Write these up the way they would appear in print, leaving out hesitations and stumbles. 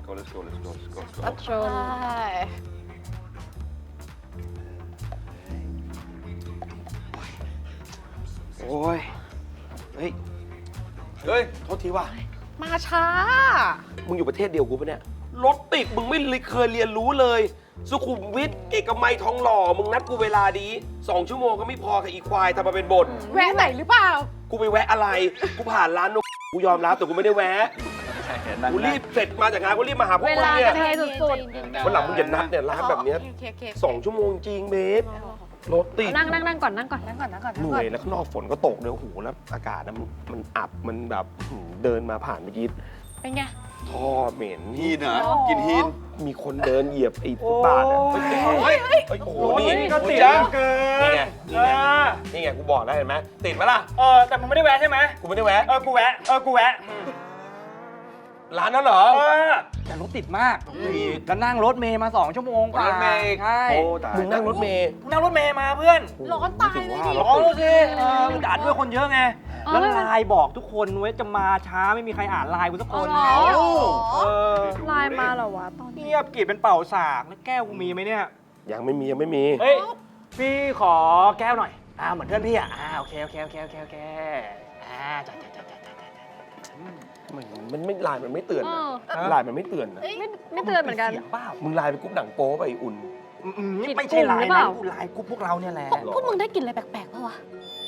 go let's go let's go let's go อัชนโอ้ยเฮ้ยเฮ้ยโทษทีว่ะมาช้ามึงอยู่ประเทศเดียวกูปะเนี่ยรถติดมึงไม่เคยเรียนรู้เลย สุขุมวิทเอกมัยทองหล่อมึงนัดกูเวลาดี2 ชั่วโมงก็ไม่พอกับอีควายทำมาเป็นบ่นแวะไหนหรือเปล่ากูไปแวะอะไร กูผ่านร้านนกกูยอมรับแต่กูไม่ได้แวะ กูรีบเสร็จมาจากงานกูรีบมาหาพวกเวมึงลาเนี่ยกระเทยสุดวันหลังมึงอย่านัดเนี่ยร้านแบบเนี้ยโอเค 2 ชั่วโมงจริงเบสรถติดนั่งก่อนนั่งก่อนเหนื่อยแล้วข้างนอกฝนก็ตกด้วยโอ้โหแล้วอากาศนะมันอับมันแบบเดินมาผ่านเมื่อกี้เป็นไงท่อเหม็นฮีนเหรอกินฮีนมีคนเดินเหยียบไอ้ฟุตบาทอ่ะเฮ้ยโอ้โหนี่ก็ติดจ้าเกินี่นไงนี่ไงกูบอกแล้วเห็นไหมติดไหมล่ะแต่มึงไม่ได้แวะใช่ไหมกูไม่ได้แวะกูแวะกูแวะร้านนั้นเหรอแต่รถติดมากแล้วนั่งรถเมย์มา2 ชั่วโมงกว่ารถเมย์ใช่โอ้ตายมึงนั่งรถเมล์นั่งรถเมย์มาเพื่อนร้อนตายเลยดิร้องดูสิมึงด่าด้วยคนเยอะไงอ๋อแล้วไลน์บอกทุกคนไว้จะมาช้าไม่มีใครอ่านไลน์กูสักคนอ๋อเหรอเออไลน์มาเหรอวะตอนนี้เงียบกรีดเป็นเป่าสากแล้วแก้วกูมีไหมเนี่ยยังไม่มีเฮ้ย พี่ขอแก้วหน่อยเหมือนเพื่อนพี่โอเคจ้ะมันไม่ไลน์มันไม่เตือนนะไลน์มันไม่เตือนนะไม่เตือนเหมือนกันเสียงเปล่ามึงไลน์ไปกรุ๊ปหนังโป๊ไปอุ่นนี่ไม่ใช่ไลน์หรือเปนะล่ากูไลน์กูพวกเราเนี่ยแหละพวกมึงได้กลิ่นอะไรแปลกๆป่าวะ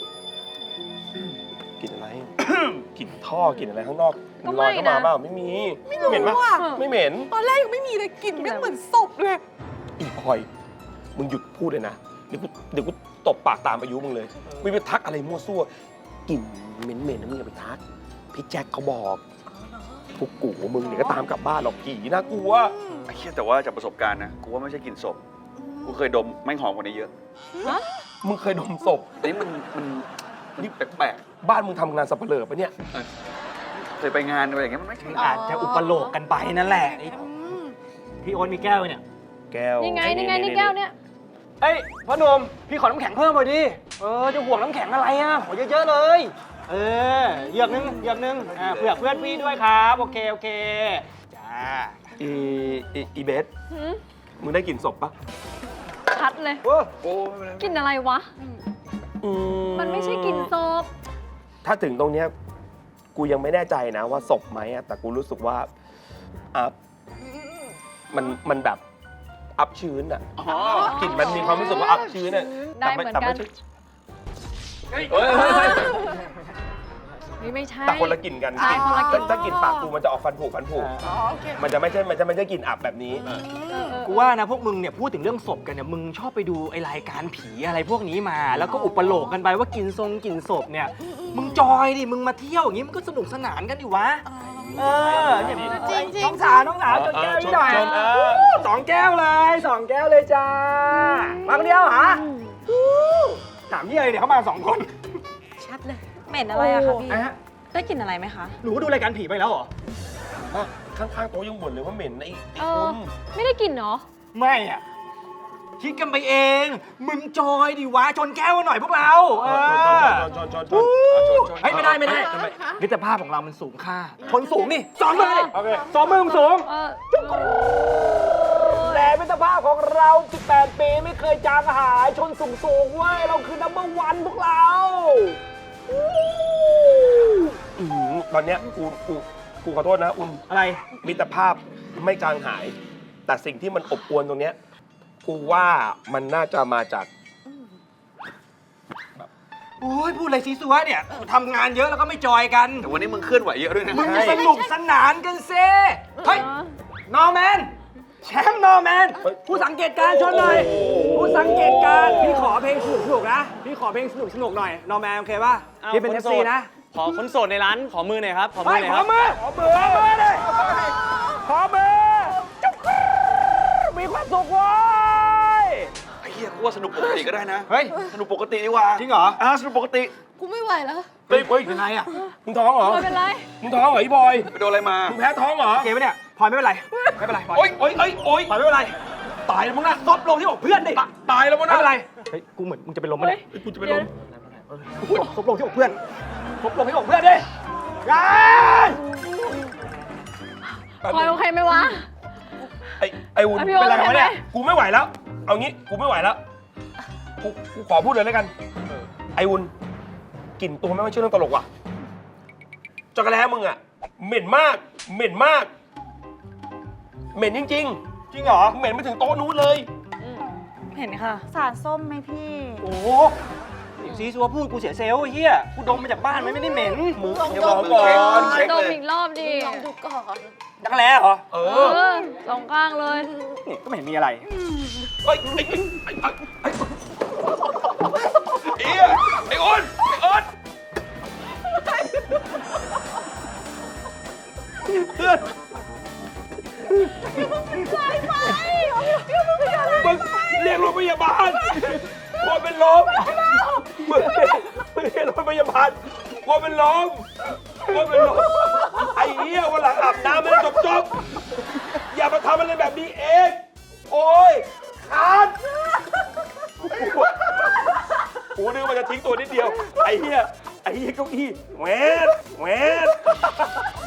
กลิ่นอะไร กลิ่นท่อกลิ่นอะไรข้างนอกก็ลอยไม่เข้ามานะเปล่าไม่มีเหม็นปะว่ะไม่เหม็นตอนแรกยังไม่มีเลยกลิ่นแม่งเหมือนศพเลยอีพลอยมึงหยุดพูดเลยนะเดี๋ยวกูตบปากตามอายุมึงเลยมึงไปทักอะไรมั่วซั่วกลิ่นเหม็นๆนะมึงอย่าไปทักพี่แจ็คเขาบอกพวกกูมึงเนี่ยก็ตามกลับบ้านหรอกผีน่ากลัวไอ้เหี้ยแต่ว่าจากประสบการณ์นะกูว่าไม่ใช่กลิ่นศพกูเคยดมแม่งหอมกว่านี้เยอะมึงเคยดมศพอันนี้มันนี่แปลกบ้านมึงทำงานสับเปลือปะเนี่ยๆเคยไปงานอะไรอย่างเงี้ยมันไม่ใช่อาจจะอุปโลกกันไปนั่นแหละพี่โอ๊ตมีแก้วไหมเนี่ยแก้วนี่ไงนี่แก้วเนี่ยเอ้ยพ่อหนุ่มพี่ขอน้ำแข็งเพิ่มหน่อยดิจะห่วงน้ำแข็งอะไรขอเยอะๆเลยเหยือกนึงเผื่อเพื่อนพี่ด้วยครับโอเคจ้าอีเบสมึงได้กลิ่นศพปะชัดเลยโอ้โอ้ไม่เป็นไรกลินอะไรวะ มันไม่ใช่กลินศพถ้าถึงตรงเนี้ยกูยังไม่แน่ใจนะว่าศพไหมอะแต่กูรู้สึกว่ามันแบบอับชื้นอะอ๋อกลิ่นมันมีความรู้สึกว่าอับชื้นอะได้เหมือนกันเฮ้ยนี่ไม่ใช่แต่คนละกลิ่นกันใช่คนละกลิ่นถ้ากลิ่นปากกูมันจะออกฟันผุมันจะไม่ใช่กลิ่นอับแบบนี้กูว่านะพวกมึงเนี่ยพูดถึงเรื่องศพกันเนี่ยมึงชอบไปดูไอรายการผีอะไรพวกนี้มา แล้วก็อุปโลกกันไปว่ากินศพเนี่ยมึงจอยดิมึงมาเที่ยวอย่างงี้มันก็สนุกสนานกันดิวะเนี่ยจริงน้องสาวจนแก้วนิดหน่อย2 แก้วเลย2 แก้วเลยจ้ามาคนเดียวเหรอถามยี่อะไรเนี่ยเขามา2 คนชัดเลย เหม็นอะไรอะคะพี่ ได้กลิ่นอะไรไหมคะหนูดูรายการผีไปแล้วเหรอข้างๆโต๊ะยังบ่นเลยว่าเหม็นไอ้เอคุอณไม่ได้กลิ่นเหรอไม่อะคิดกันไปเอง มึงจอยดิวะชนแก้วหน่อยพวกเราชนเฮ้ยไม่ได้มิตรภาพของเรามันสูงค่าชนสูงนี่สองมือดิสองมือมึงสูงเออแต่มิตรภาพของเรา18 ปีไม่เคยจางหายชนสูงเว้ยเราคือนัมเบอร์วันพวกเราตอนเนี้ยกูขอโทษนะอุ่นอะไรมิตรภาพไม่จางหาย แต่สิ่งที่มันอบอวลตรงเนี้ยกูว่ามันน่าจะมาจากโอ้ยพูดอะไรซีซัวเนี่ยทำงานเยอะแล้วก็ไม่จอยกันแต่วันนี้มึงเคลื่อนไหวเยอะด้วยนะมึงจะสนุกสนานกันเซ่เฮ้ยนอร์แมนแชมป์นอร์แมนผู้สังเกตการณ์ชนหน่อยผู้สังเกตการณ์พี่ขอเพลงสนุกนะพี่ขอเพลงสนุกหน่อยนอร์แมนโอเคป่ะพี่เป็น FC นะขอคนโสดในร้านขอมือหน่อยครับขอมืเฮ้อย หน่อยขคอรับมือเลยขอมือจุ๊บมีความสุขเว้ยไอ้เหี้ยกูว่าสนุกปกติก็ได้นะเฮ้ยสนุกปกติดีกว่าจริงเหรอสนุกปกติกูไม่ไหวแล้วเฮ้ยเป็นไรอ่ะมึงท้องเหรอไม่เป็นไรมึงท้องเหรอไอ้บอยไปโดนอะไรมามึงแพ้ท้องเหรอโอเคไหมเนี่ยพลอยไม่เป็นไรไม่เป็นไรพลอยโอ๊ยพลอยไม่เป็นไรตายแล้วมึงนะซบลงที่อกเพื่อนดิตายแล้วมึงไม่นะเป็นไรเฮ้ยกูเหมือนมึงจะเป็นลมไหมเนี่ยกูจะไปล้มซบลงที่อกเพื่อนซบลงที่อกเพื่อนดิยายไปพลอยโอเคไหมวะไอ้วุ้นพี่โอ๊เป็นตไรวะเนี่ยโอเคไหมกูไม่ไหวแล้ว เอางี้กูไม่ไหวแล้วกูขอพูดเลยแล้วกันไอ้วุ้นกลิ่นตัวไม่ว่าชื่อเรื่องตลกว่ะจักรแล้มึงอะเหม็นมาก เหม็นมาก เหม็นจริงจริงเหรอๆเหม็นไปถึงโต๊ะนู้นเลยเห็นค่ะสารส้มไหมพี่โอ้โหซีซัวพูดกูเสียเซลล์ไอ้เฮียกูดมมาจากบ้านมันไม่ได้เหม็นมึงลองอย่าดบอมกก่อนเช็คดมเลยอีกรอบดิลองดูก่อนจักรแล้เหรอเอเอออสองข้างเลยนี่ก็ไม่เห็นมีอะไรเฮ้ยไอ้อ้นเพื่อนมึงเรียกรถพยาบาลกลัวเป็นลมมึงเรียกรถพยาบาลกลัวเป็นลมไอ้เหี้ยวันหลังอาบน้ำไม่ได้จบอย่ามาทำอะไรแบบนี้เองโอ้ยขาดกูนึกว่าจะทิ้งตัวนิดเดียวไอ้เหี้ยเก้าอี้แหวน